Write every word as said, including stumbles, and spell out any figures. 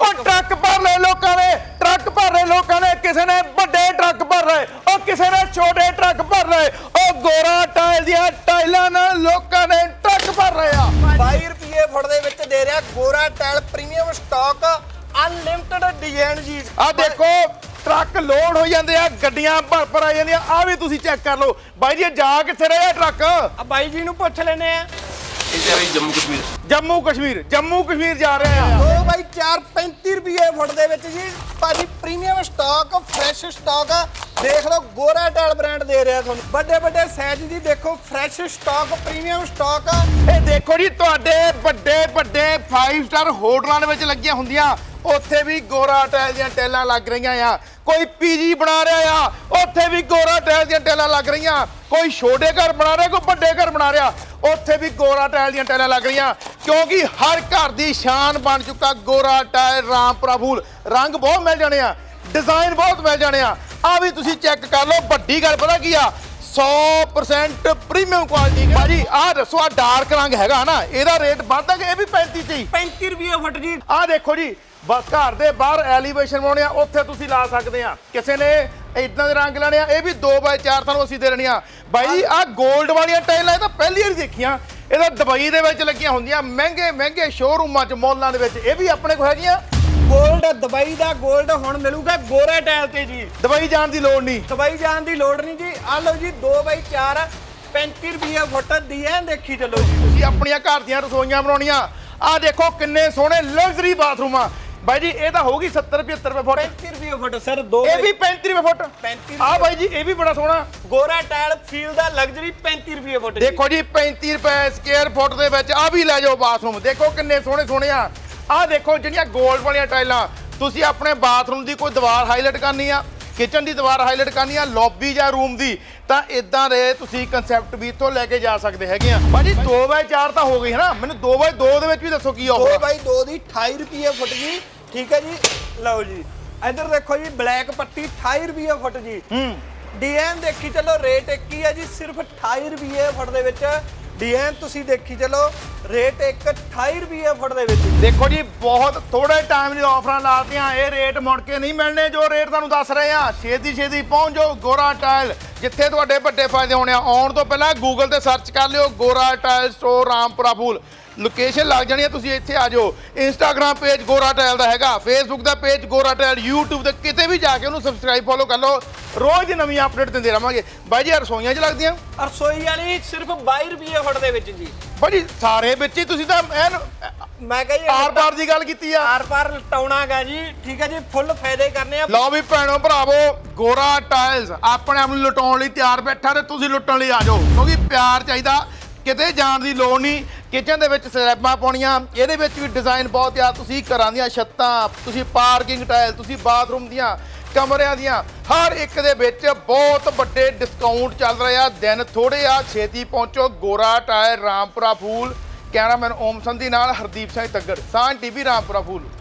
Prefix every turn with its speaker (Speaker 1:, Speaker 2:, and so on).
Speaker 1: ਉਹ ਟਰੱਕ ਭਰ ਲਏ ਲੋਕਾਂ ਨੇ ਟਰੱਕ ਭਰ ਰਹੇ ਲੋਕਾਂ ਨੇ ਕਿਸੇ ਨੇ ਵੱਡੇ ਟਰੱਕ ਭਰ ਰਹੇ ਉਹ ਕਿਸੇ ਨੇ ਛੋਟੇ ਟਰੱਕ ਭਰ ਰਹੇ ਉਹ ਗੋਰਾ ਟਾਇਲ ਦੀਆਂ ਟਾਈਲਾਂ ਨਾਲ ਲੋਕਾਂ ਨੇ ਟਰੱਕ ਭਰ ਰਹੇ ਆ
Speaker 2: ਬਾਈ ਰੁਪਏ ਫੁੱਟ ਦੇ ਵਿੱਚ ਦੇ ਰਿਹਾ Gora tile premium stock unlimited design ਜੀ।
Speaker 1: ਆ ਦੇਖੋ ਟਰੱਕ ਲੋਡ ਹੋ ਜਾਂਦੇ ਆ ਗੱਡੀਆਂ ਭਰ ਭਰ ਆ ਜਾਂਦੀਆਂ ਆ ਵੀ ਤੁਸੀਂ ਚੈੱਕ ਕਰ ਲਓ ਬਾਈ ਜੀ ਜਾ ਕਿੱਥੇ ਰਹੇ ਟਰੱਕ
Speaker 2: ਆ ਬਾਈ ਜੀ ਨੂੰ ਪੁੱਛ ਲੈਨੇ ਆ।
Speaker 3: ਇਹ ਜਾ ਰਹੀ ਜੰਮੂ ਕਸ਼ਮੀਰ
Speaker 1: ਜੰਮੂ ਕਸ਼ਮੀਰ ਜੰਮੂ ਕਸ਼ਮੀਰ ਜਾ ਰਹੇ ਆ
Speaker 2: ਦੋ ਬਾਈ ਚਾਰ ਪੈਂਤੀ ਰੁਪਏ ਫੁੱਟ ਦੇ ਵਿੱਚ ਜੀ ਭਾਜੀ ਪ੍ਰੀਮੀਅਮ ਸਟਾਕ ਫਰੈਸ਼ ਸਟਾਕ ਦੇਖ ਲਓ ਗੋਰਾ ਟਾਇਲ ਬ੍ਰਾਂਡ ਦੇ ਰਿਹਾ ਤੁਹਾਨੂੰ ਵੱਡੇ ਵੱਡੇ ਸਾਈਜ਼ ਦੀ ਦੇਖੋ ਫਰੈਸ਼ ਸਟਾਕ ਪ੍ਰੀਮੀਅਮ ਸਟਾਕ।
Speaker 1: ਇਹ ਦੇਖੋ ਜੀ ਤੁਹਾਡੇ ਵੱਡੇ ਵੱਡੇ ਪੰਜ ਸਟਾਰ ਹੋਟਲਾਂ ਦੇ ਵਿੱਚ ਲੱਗੀਆਂ ਹੁੰਦੀਆਂ ਉੱਥੇ ਵੀ ਗੋਰਾ ਟਾਇਲ ਦੀਆਂ ਟੈਲਾਂ ਲੱਗ ਰਹੀਆਂ ਆ ਕੋਈ ਪੀਜੀ ਬਣਾ ਰਿਹਾ ਆ ਉੱਥੇ ਵੀ ਗੋਰਾ ਟਾਇਲ ਦੀਆਂ ਟੈਲਾਂ ਲੱਗ ਰਹੀਆਂ ਕੋਈ ਛੋਟੇ ਘਰ ਬਣਾ ਰਿਹਾ ਕੋਈ ਵੱਡੇ ਘਰ ਬਣਾ ਰਿਹਾ ਉੱਥੇ ਵੀ ਗੋਰਾ ਟਾਇਲ ਦੀਆਂ ਟੈਲਾਂ ਲੱਗ ਰਹੀਆਂ ਕਿਉਂਕਿ ਹਰ ਘਰ ਦੀ ਸ਼ਾਨ ਬਣ ਚੁੱਕਾ ਗੋਰਾ ਟਾਇਲ ਰਾਮਪੁਰਾ ਫੂਲ ਰੰਗ ਬਹੁਤ ਮਿਲ ਜਾਣੇ ਆ ਡਿਜ਼ਾਈਨ ਬਹੁਤ ਮਿਲ ਜਾਣੇ ਆ ਆ ਵੀ ਤੁਸੀਂ ਚੈੱਕ ਕਰ ਲਓ ਵੱਡੀ ਗੱਲ ਪਤਾ ਕੀ ਆ ਸੌ ਪਰਸੈਂਟ ਪ੍ਰੀਮੀਅਮ ਕੁਆਲਿਟੀ ਭਾਜੀ ਆਹ ਦੱਸੋ ਆ ਡਾਰਕ ਰੰਗ ਹੈਗਾ ਨਾ ਇਹਦਾ ਰੇਟ ਵੱਧਦਾ ਕਿ ਇਹ ਵੀ ਪੈਂਤੀ ਚ ਹੀ
Speaker 2: ਪੈਂਤੀ ਰੁਪਏ ਫੁੱਟ ਜੀ।
Speaker 1: ਆਹ ਦੇਖੋ ਜੀ ਬਸ ਘਰ ਦੇ ਬਾਹਰ ਐਲੀਵੇਸ਼ਨ ਬਣਾਉਣੇ ਆ ਉੱਥੇ ਤੁਸੀਂ ਲਾ ਸਕਦੇ ਆ ਕਿਸੇ ਨੇ ਇਦਾਂ ਦੇ ਰੰਗ ਲੈਣੇ ਆ ਇਹ ਵੀ ਦੋ ਬਾਏ ਚਾਰ ਤੁਹਾਨੂੰ ਅਸੀਂ ਦੇ ਦੇਣੇ ਆ ਬਾਈ ਆਹ 골ਡ ਵਾਲੀਆਂ ਟਾਈਲਾਂ ਇਹ ਤਾਂ ਪਹਿਲੀ ਵਾਰ ਦੇਖੀਆਂ ਇਹ ਤਾਂ ਦੁਬਈ ਦੇ ਵਿੱਚ ਲੱਗੀਆਂ ਹੁੰਦੀਆਂ ਮਹਿੰਗੇ ਮਹਿੰਗੇ ਸ਼ੋਰੂਮਾਂ 'ਚ ਮੌਲਾਂ ਦੇ ਵਿੱਚ ਇਹ ਵੀ ਆਪਣੇ ਕੋਲ ਹੈਗੀਆਂ
Speaker 2: ਗੋਲਡ ਦੁਬਈ ਦਾ ਗੋਲਡ ਹੁਣ ਮਿਲੂਗਾ ਗੋਰਾ ਟਾਇਲ ਤੇ ਜੀ
Speaker 1: ਦੁਬਈ ਜਾਣ ਦੀ ਲੋੜ ਨਹੀਂ
Speaker 2: ਦੁਬਈ ਜਾਣ ਦੀ ਲੋੜ ਨਹੀਂ ਜੀ। ਆ ਲਓ ਜੀ ਦੋ ਬਾਈ ਚਾਰ ਪੈਂਤੀ ਰੁਪਏ ਫੁੱਟ ਦੀ ਐ ਦੇਖੀ ਚੱਲੋ ਜੀ।
Speaker 1: ਤੁਸੀਂ ਆਪਣੀਆਂ ਘਰ ਦੀਆਂ ਰਸੋਈਆਂ ਬਣਾਉਣੀਆਂ ਆਹ ਦੇਖੋ ਕਿੰਨੇ ਸੋਹਣੇ ਲਗਜ਼ਰੀ ਬਾਥਰੂਮ ਆ ਬਾਈ ਜੀ ਇਹ ਤਾਂ ਹੋਊਗੀ ਸੱਤਰ ਪਝੱਤਰ ਰੁਪਏ ਫੁੱਟ
Speaker 2: ਪੈਂਤੀ ਰੁਪਏ ਫੁੱਟ ਸਰ ਦੋ
Speaker 1: ਇਹ ਵੀ ਪੈਂਤੀ ਰੁਪਏ ਫੁੱਟ
Speaker 2: ਪੈਂਤੀ
Speaker 1: ਆ ਬਾਈ ਜੀ ਇਹ ਵੀ ਬੜਾ ਸੋਹਣਾ
Speaker 2: ਗੋਰਾ ਟਾਇਲ ਫੀਲ ਦਾ ਲਗਜ਼ਰੀ ਪੈਂਤੀ ਰੁਪਏ ਫੁੱਟ ਜੀ।
Speaker 1: ਦੇਖੋ ਜੀ ਪੈਂਤੀ ਰੁਪਏ ਸਕੁਅਰ ਫੁੱਟ ਦੇ ਵਿੱਚ ਆ ਵੀ ਲੈ ਜਾਓ ਬਾਥਰੂਮ ਦੇਖੋ ਕਿੰਨੇ ਸੋਹਣੇ ਸੋਹਣੇ ਆ ਆਹ ਦੇਖੋ ਜਿਹੜੀਆਂ 골ਡ ਵਾਲੀਆਂ ਟਾਈਲਾਂ ਤੁਸੀਂ ਆਪਣੇ ਬਾਥਰੂਮ ਦੀ ਕੋਈ ਦੀਵਾਰ ਹਾਈਲਾਈਟ ਕਰਨੀ ਆ ਕਿਚਨ ਦੀ ਦੀਵਾਰ ਹਾਈਲਾਈਟ ਕਰਨੀ ਆ ਲੌਬੀ ਜਾਂ ਰੂਮ ਦੀ ਤਾਂ ਇਦਾਂ ਦੇ ਤੁਸੀਂ ਕਨਸੈਪਟ ਵੀ ਇੱਥੋਂ ਲੈ ਕੇ ਜਾ ਸਕਦੇ ਹੈਗੇ ਆ ਭਾਜੀ ਦੋ ਬਾਏ ਚਾਰ ਤਾਂ ਹੋ ਗਈ ਹੈ ਨਾ ਮੈਨੂੰ ਦੋ ਬਾਏ ਦੋ ਦੇ ਵਿੱਚ ਵੀ ਦੱਸੋ ਕੀ
Speaker 2: ਦੋ
Speaker 1: ਆਫਰ
Speaker 2: ਬਾਈ ਦੋ ਦੀ ਅਠਾਈ ਰੁਪਏ ਫੁੱਟ ਜੀ ਠੀਕ ਹੈ ਜੀ। ਲਓ ਜੀ ਇੱਧਰ ਦੇਖੋ ਜੀ ਬਲੈਕ ਪੱਟੀ ਅਠਾਈ ਰੁਪਏ ਫੁੱਟ ਜੀ।
Speaker 1: ਹੂੰ
Speaker 2: ਡੀਐਨ ਦੇਖੀ ਚੱਲੋ ਰੇਟ ਇੱਕ ਹੀ ਹੈ ਜੀ ਸਿਰਫ ਅਠਾਈ ਰੁਪਏ ਫੁੱਟ ਦੇ ਵਿੱਚ ਡੀਐਨ ਤੁਸੀਂ ਦੇਖੀ ਚੱਲੋ ਰੇਟ ਇੱਕ ਅਠਾਈ ਰੁਪਏ ਫੁੱਟ ਦੇ ਵਿੱਚ।
Speaker 1: ਦੇਖੋ ਜੀ ਬਹੁਤ ਥੋੜੇ ਟਾਈਮ ਦੀ ਆਫਰਾਂ ਲਾਤੀਆਂ ਇਹ ਰੇਟ ਮੁੜ ਕੇ ਨਹੀਂ ਮਿਲਣੇ ਜੋ ਰੇਟ ਤੁਹਾਨੂੰ ਦੱਸ ਰਹੇ ਆ ਛੇਤੀ ਛੇਤੀ ਪਹੁੰਚ ਜਾਓ ਗੋਰਾ ਟਾਇਲ ਜਿੱਥੇ ਤੁਹਾਡੇ ਵੱਡੇ ਫਾਇਦੇ ਹੋਣੇ ਆ ਆਉਣ ਤੋਂ ਪਹਿਲਾਂ ਗੂਗਲ ਤੇ ਸਰਚ ਕਰ ਲਿਓ Gora tile store Rampura Phul location ਲੱਗ ਜਾਣੀ ਹੈ ਤੁਸੀਂ ਇੱਥੇ ਆ ਜਾਓ ਇੰਸਟਾਗ੍ਰਾਮ ਪੇਜ ਗੋਰਾ ਟਾਇਲ ਦਾ ਹੈਗਾ ਫੇਸਬੁੱਕ ਦਾ ਪੇਜ ਗੋਰਾ ਟਾਇਲ YouTube ਤੇ ਕਿਤੇ ਵੀ ਜਾ ਕੇ ਉਹਨੂੰ ਸਬਸਕ੍ਰਾਈਬ ਫੋਲੋ ਕਰ ਲਓ ਰੋਜ਼ ਨਵੀਂ ਅਪਡੇਟ ਦਿੰਦੇ ਰਹਾਂਗੇ ਬਾਈ ਜੀ ਰਸੋਈਆਂ 'ਚ ਲੱਗਦੀਆਂ
Speaker 2: ਰਸੋਈ ਵਾਲੀ ਸਿਰਫ ਬਾਈ ਰੁਪਏ ਫੁੱਟ ਦੇ ਵਿੱਚ ਜੀ।
Speaker 1: ਬਾਈ ਸਾਰੇ ਵਿੱਚ ਹੀ ਤੁਸੀਂ ਤਾਂ ਐਨ
Speaker 2: ਮੈਂ ਕਹਾਂ ਜੀ
Speaker 1: ਆਰ ਪਾਰ ਦੀ ਗੱਲ ਕੀਤੀ ਆ
Speaker 2: ਆਰ ਪਾਰ ਲਟਾਉਣਾਗਾ ਜੀ ਠੀਕ ਹੈ ਜੀ ਫੁੱਲ ਫਾਇਦੇ ਕਰਨੇ ਆ।
Speaker 1: ਲਓ ਵੀ ਭੈਣੋ ਭਰਾਵੋ ਗੋਰਾ ਟਾਇਲਸ ਆਪਣੇ ਆਪ ਨੂੰ ਲੁਟਾਉਣ ਲਈ ਤਿਆਰ ਬੈਠਾ ਤੇ ਤੁਸੀਂ ਲੁੱਟਣ ਲਈ ਆ ਜਾਓ ਕਿਉਂਕਿ ਪਿਆਰ ਚਾਹੀਦਾ ਕਿਤੇ ਜਾਣ ਦੀ ਲੋੜ ਨਹੀਂ ਕਿਚਨ ਦੇ ਵਿੱਚ ਸਲੈਬਾਂ ਪਾਉਣੀਆਂ ਇਹਦੇ ਵਿੱਚ ਵੀ ਡਿਜ਼ਾਈਨ ਬਹੁਤ ਆ ਤੁਸੀਂ ਘਰਾਂ ਦੀਆਂ ਛੱਤਾਂ ਤੁਸੀਂ ਪਾਰਕਿੰਗ ਟਾਇਲ ਤੁਸੀਂ ਬਾਥਰੂਮ ਦੀਆਂ ਕਮਰਿਆਂ ਦੀਆਂ ਹਰ ਇੱਕ ਦੇ ਵਿੱਚ ਬਹੁਤ ਵੱਡੇ ਡਿਸਕਾਊਂਟ ਚੱਲ ਰਹੇ ਆ ਦਿਨ ਥੋੜੇ ਆ ਛੇਤੀ ਪਹੁੰਚੋ ਗੋਰਾ ਟਾਇਲ ਰਾਮਪੁਰਾ ਫੂਲ ਕੈਮਰਾਮੈਨ ਓਮ ਸੰਧੀ ਨਾਲ ਹਰਦੀਪ ਸਿੰਘ ਤੱਗੜ ਸਾਂਝ ਟੀਵੀ ਰਾਮਪੁਰਾ ਫੂਲ।